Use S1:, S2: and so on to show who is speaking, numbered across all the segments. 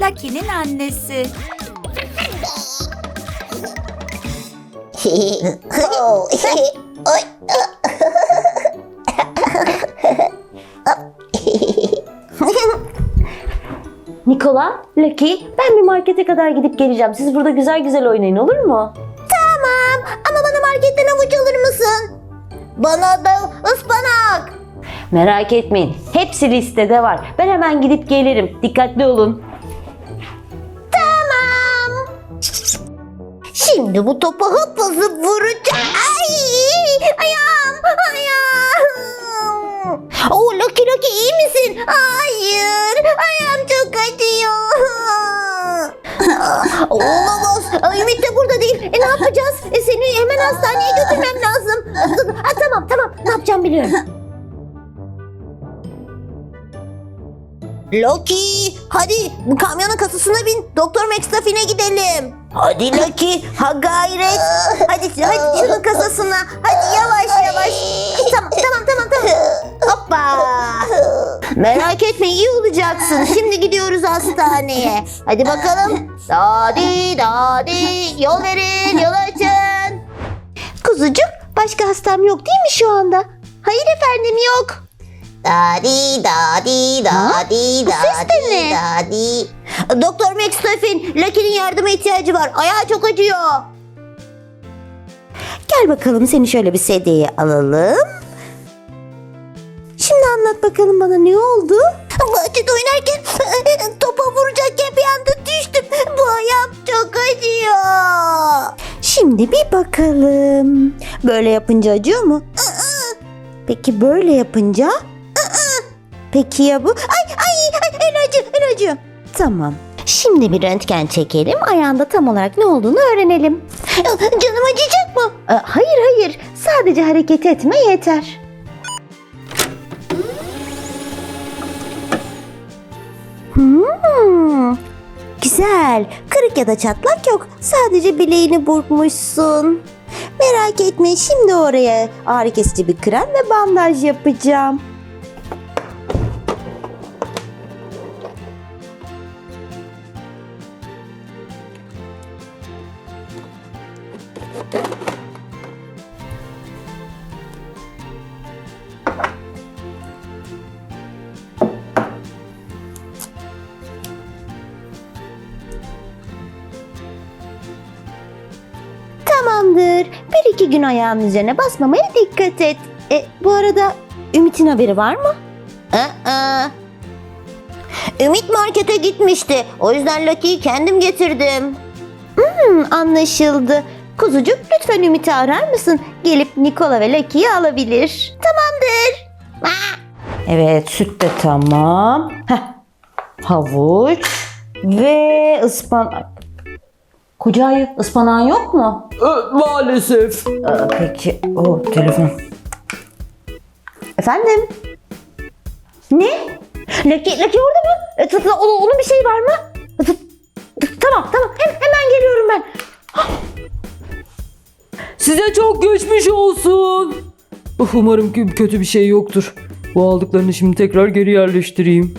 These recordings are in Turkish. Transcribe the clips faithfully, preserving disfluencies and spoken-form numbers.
S1: Lucky'nin annesi.
S2: Nikola, Lucky, ben bir markete kadar gidip geleceğim. Siz burada güzel güzel oynayın, olur mu?
S3: Tamam ama bana marketten havuç alır mısın? Bana da ıspanak.
S2: Merak etmeyin, hepsi listede var. Ben hemen gidip gelirim. Dikkatli olun.
S3: Tamam. Şimdi bu topa hıp hızlı vuracağım. Ay! Ayağım! Ayağım! Oo, Lucky Lucky iyi misin? Hayır! Ayağım çok acıyor. Olamaz. Ay, Ümit de burada değil. E, ne yapacağız? E, seni hemen hastaneye götürmem lazım. Ha, tamam tamam. Ne yapacağım biliyorum. Loki, hadi bu kamyonun kasasına bin. Doktor McStuffin'e gidelim. Hadi Loki, ha gayret. Hadi, hadi şunun kasasına. Hadi yavaş yavaş. Tamam, tamam, tamam, tamam. Hoppa. Merak etme, iyi olacaksın. Şimdi gidiyoruz hastaneye. Hadi bakalım. Dadi, dadi. Yol verin, yol açın. Kuzucuk, başka hastam yok değil mi şu anda? Hayır efendim, yok. Dadi dadi dadi dadi dadi. Doktor McStuffin, Lucky'nin yardıma ihtiyacı var. Ayağı çok acıyor. Gel bakalım, seni şöyle bir sedyeye alalım. Şimdi anlat bakalım bana, ne oldu? Bahçede oynarken topa vuracakken bir anda düştüm. Bu ayağım çok acıyor. Şimdi bir bakalım. Böyle yapınca acıyor mu? Peki böyle yapınca? Peki ya bu? Ay ay ay el acıyor, el acıyor. Tamam. Şimdi bir röntgen çekelim. Ayağında tam olarak ne olduğunu öğrenelim. Canım acıyacak mı? Hayır hayır. Sadece hareket etme yeter. Hmm, güzel. Kırık ya da çatlak yok. Sadece bileğini burkmuşsun. Merak etme, şimdi oraya ağrı kesici bir krem ve bandaj yapacağım. Tamamdır. Bir iki gün ayağın üzerine basmamaya dikkat et. E, bu arada Ümit'in haberi var mı? Aa. Ümit markete gitmişti. O yüzden Lucky'yi kendim getirdim. Hmm, anlaşıldı. Kuzucuk, lütfen Ümit'i arar mısın? Gelip Nikola ve Lucky'yi alabilir. Tamamdır. Aa.
S2: Evet, süt de tamam. Heh. Havuç ve ıspanak. Koca ayı, ıspanağın yok mu?
S4: E, maalesef.
S2: Aa, peki. O telefon. Efendim? Ne? Lucky, Lucky orada mı? E, t- t- onun, onun bir şeyi var mı? T- t- tamam tamam Hem, hemen geliyorum ben.
S4: Size çok geçmiş olsun. Uf, umarım ki kötü bir şey yoktur. Bu aldıklarını şimdi tekrar geri yerleştireyim.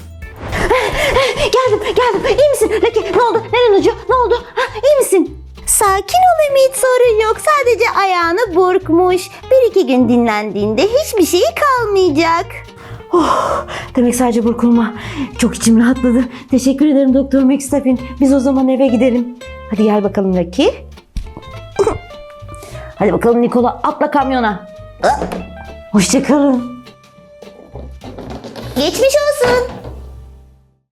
S2: Geldim geldim. İyi misin Lucky? Ne oldu? Neden acıyor? Ne oldu? Ha, iyi misin?
S3: Sakin ol Ümit, sorun yok. Sadece ayağını burkmuş. Bir iki gün dinlendiğinde hiçbir şeyi kalmayacak.
S2: Oh, demek sadece burkulma. Çok içim rahatladı. Teşekkür ederim Doktor McStuffin. Biz o zaman eve gidelim. Hadi gel bakalım Lucky. Hadi bakalım Nikola, atla kamyona. Hoşça kalın.
S3: Geçmiş olsun.